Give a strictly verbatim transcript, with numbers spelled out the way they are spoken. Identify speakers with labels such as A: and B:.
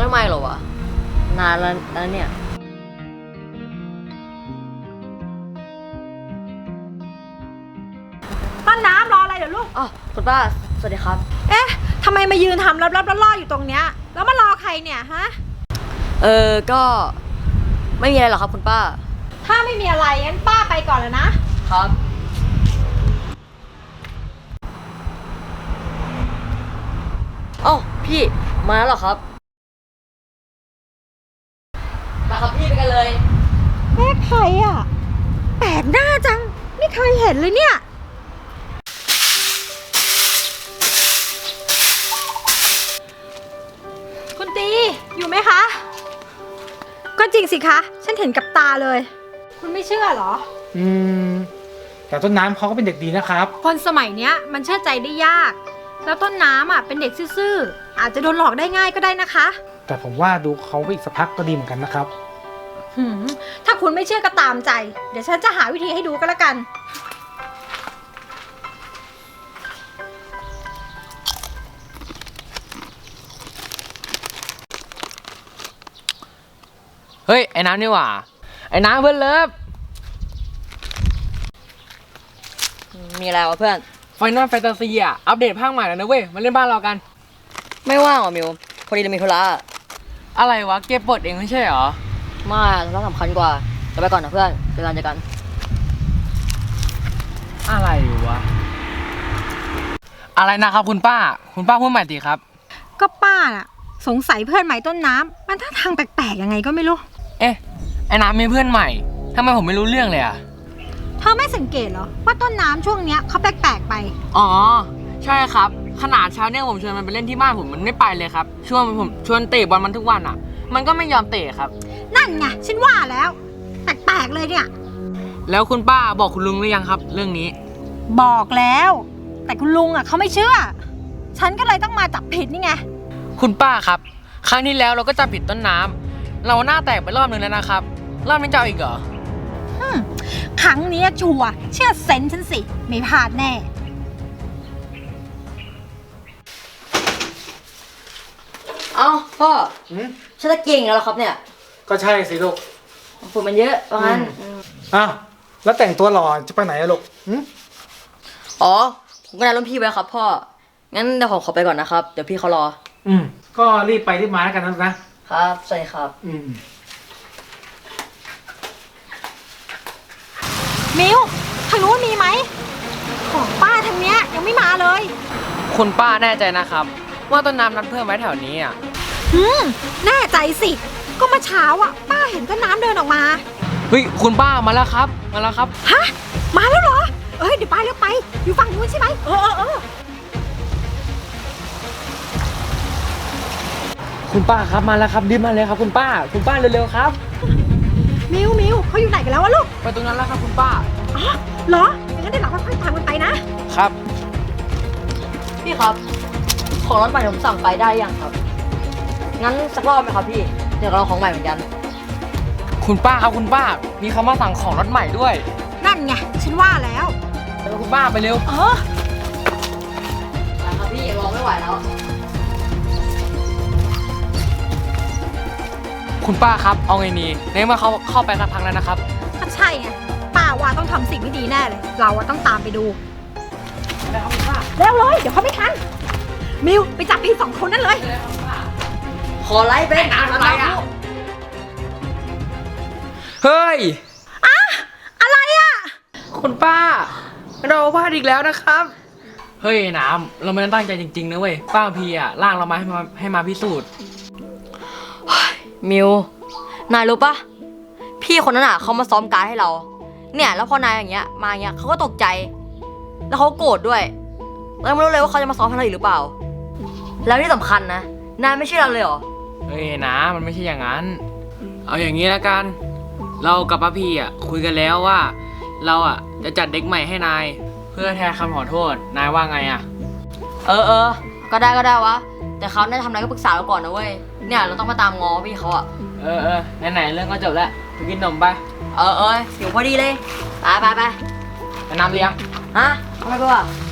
A: ทำไมเหรอวะนานแล้วแล้วเนี่ย
B: ต้นน้ำรออะไรเดี๋ยวลูก
A: อ๋อคุณป้าสวัสดีครับ
B: เอ๊ะทำไมมายืนทำรับๆล่อๆอยู่ตรงเนี้ยแล้วมารอใครเนี่ยฮะ
A: เออก็ไม่มีอะไรหรอกครับคุณป้า
B: ถ้าไม่มีอะไรงั้นป้าไปก่อนแล้วนะครับ
A: อ๋อพี่มาแล้วเหรอครับมาครับพี่ไปกันเลย
B: แม่ใครอ่ะแปลกหน้าจังไม่เคยเห็นเลยเนี่ยคุณตีอยู่ไหมคะก็จริงสิคะฉันเห็นกับตาเลยคุณไม่เชื่อเหรอ
C: อืมแต่ต้นน้ำเขาก็เป็นเด็กดีนะครับ
B: คนสมัยเนี้ยมันเชื่อใจได้ยากแล้วต้นน้ำอ่ะเป็นเด็กซื่อๆอาจจะโดนหลอกได้ง่ายก็ได้นะคะ
C: แต่ผมว่าดูเขาไปอีกสักพักก็ดีเหมือนกันนะครับ
B: ถ้าคุณไม่เชื่อก็ตามใจเดี๋ยวฉันจะหาวิธีให้ดูก็แล้วกัน
D: เฮ้ยไอ้น้ำนี่หว่าไอ้น้ำเพื่อนเลิฟ
A: มีอะไรวะเพื่อน
D: ไฟนอลแฟนตาซีอ่ะอัปเดตภาคใหม่แล้วนะเว้ยมาเล่นบ้านเรากัน
A: ไม่ว่างหรอมิวพอดีเรามีธุระ
D: อะไรวะเกมเปิดเองไม่ใช่เหรอ
A: ไม่ธุระสำคัญกว่าจะไปก่อนนะเพื่อนเจอกันเจอกัน
D: อะไรวะอะไรนะครับคุณป้าคุณป้าพูดใหม่ดีครับ
B: ก็ป้าน่ะสงสัยเพื่อนใหม่ต้นน้ำมันท่าทางแปลกๆยังไงก็ไม่รู้
D: เอ๊ะไอ้น้ำมีเพื่อนใหม่ทำไมผมไม่รู้เรื่องเลยอ่ะ
B: เธอไม่สังเกตเหรอว่าต้นน้ำช่วงเนี้ยเขาแปลกๆไป
D: อ๋อใช่ครับขนาดเช้าเนี่ยผมชวนมันไปเล่นที่บ้านผมมันไม่ไปเลยครับชวนผมชวนเตะบอลมันทุกวันอ่ะมันก็ไม่ยอมเตะครับ
B: นั่นไงฉันว่าแล้วแปลกๆเลยเนี่ย
D: แล้วคุณป้าบอกคุณลุงหรือยังครับเรื่องนี้
B: บอกแล้วแต่คุณลุงอ่ะเขาไม่เชื่อฉันก็เลยต้องมาจับผิดนี่ไง
D: คุณป้าครับครั้งที่แล้วเราก็จับผิดต้นน้ำเราหน้าแตกไปรอบนึงแล้วนะครับรอบนี้จะเอาอีกเหรอ
B: ครั้งนี้ชัวร์เชื่อเซนฉันสิไม่พลาดแน่
A: เอ้าพ่อฉันจะเก่งแล้วครับเนี่ย
C: ก็ใช่สิลูก
A: ฝุ่นมันเยอะเพราะงั้น
C: อ้าวแล้วแต่งตัวหล่อจะไปไหนอะลูก
A: อ๋อผมก็นัดรุ่นพี่ไว้ครับพ่องั้นเดี๋ยวผมขอไปก่อนนะครับเดี๋ยวพี่เขารอ
C: อืมก็รีบไปรีบมาแล้วกันนะ
A: นะครับใช่ครับ
C: อืม
B: มิวทางนู้นมีไหมของป้าทางเนี้ยยังไม่มาเลย
D: คุณป้าแน่ใจนะครับว่าต้นน้ำนัดเพื่อนไว้แถวนี้อ่ะ
B: อืมแน่ใจสิก็เมื่อเช้าอ่ะป้าเห็นต้นน้ำเดินออกมา
D: เฮ้ยคุณป้ามาแล้วครับมาแล้วครับ
B: ฮะมาแล้วเหรอเอ้ยเดี๋ยวไปเร็วไปอยู่ฝั่งนู้นใช่ไหมเออเออเออ
D: คุณป้าครับมาแล้วครับรีบมาเลยครับคุณป้าคุณป้าเร็วๆครับ
B: มิวมิวเขาอยู่ไหนกันแล้ววะลูก
D: ไปตรงนั้นแล้วครับคุณป้า
B: อ๋อเหรองั้นเดี๋ยวเราค่อยๆตามกันไปนะครับ
A: พี่ครับของรถใหม่ผมสั่งไปได้ยังครับงั้นสักรอบไหมครับพี่เดี๋ยวเราของใหม่เหมือนกัน
D: คุณป้าครับคุณป้ามีเขามาสั่งของรถใหม่ด้วย
B: นั่นไงฉันว่าแล้ว
D: เร็วคุณป้าไปเร็ว
B: เออ
A: ไปครับพี่รอไม่ไหวแล้ว
D: คุณป้าครับเอาไงนี่ในเมื่อเขาเข้าไปสักพักแล้วนะครับ
B: ก็ใช่ไงป้าว่าต้องทำสิ่งที่ดีแน่เลยเราต้องตามไปดู
D: แล้วคุณป้า
B: เร็วเลยเดี๋ยวเขาไม่ทันมิวไปจับพี่สองคนนั่นเลย
A: ขอไลฟ์เป็น
D: อะไรอ่ะเฮ้ย
B: อะอะไรอ่ะ
D: คุณป้าเราพลาดอีกแล้วนะครับเฮ้ยน้ำเราไม่ได้ตั้งใจจริงๆนะเว้ยป้าพีอ่ะลากเรามาให้มาให้มาพิสูจน์
A: มิวนายรู้ปะพี่คนนั้นอ่ะเขามาซ้อมการให้เราเนี่ยแล้วพอนายอย่างเงี้ยมาอย่างเงี้ยเขาก็ตกใจแล้วเขาโกรธด้วยเราไม่รู้เลยว่าเขาจะมาซ้อมให้เราอีกหรือเปล่าแล้วที่สำคัญนะนายไม่เชื่อเราเลยเหรอ
D: เฮ้ยนะมันไม่ใช่อย่างนั้นเอาอย่างนี้ละกันเรากับป้าพีอ่ะคุยกันแล้วว่าเราอ่ะจะจัดเด็กใหม่ให้นายเพื่อแทนคำขอโทษนายว่าไงอ่ะ
A: เออเออก็ได้ก็ได้วะแต่เขาได้ทำอะไรก็ปรึกษาเราก่อนนะเว้ยเนี่ยเราต้องมาตามง้อพี่เขาอ่ะ
D: เออเออไหนๆเรื่องก็จบแล้วไปกินนมไป
A: เออเออหิวพอดีเลยไปไปไป
D: ไปน้ำเลี้ยง
A: ฮะทำไมกูอ่ะ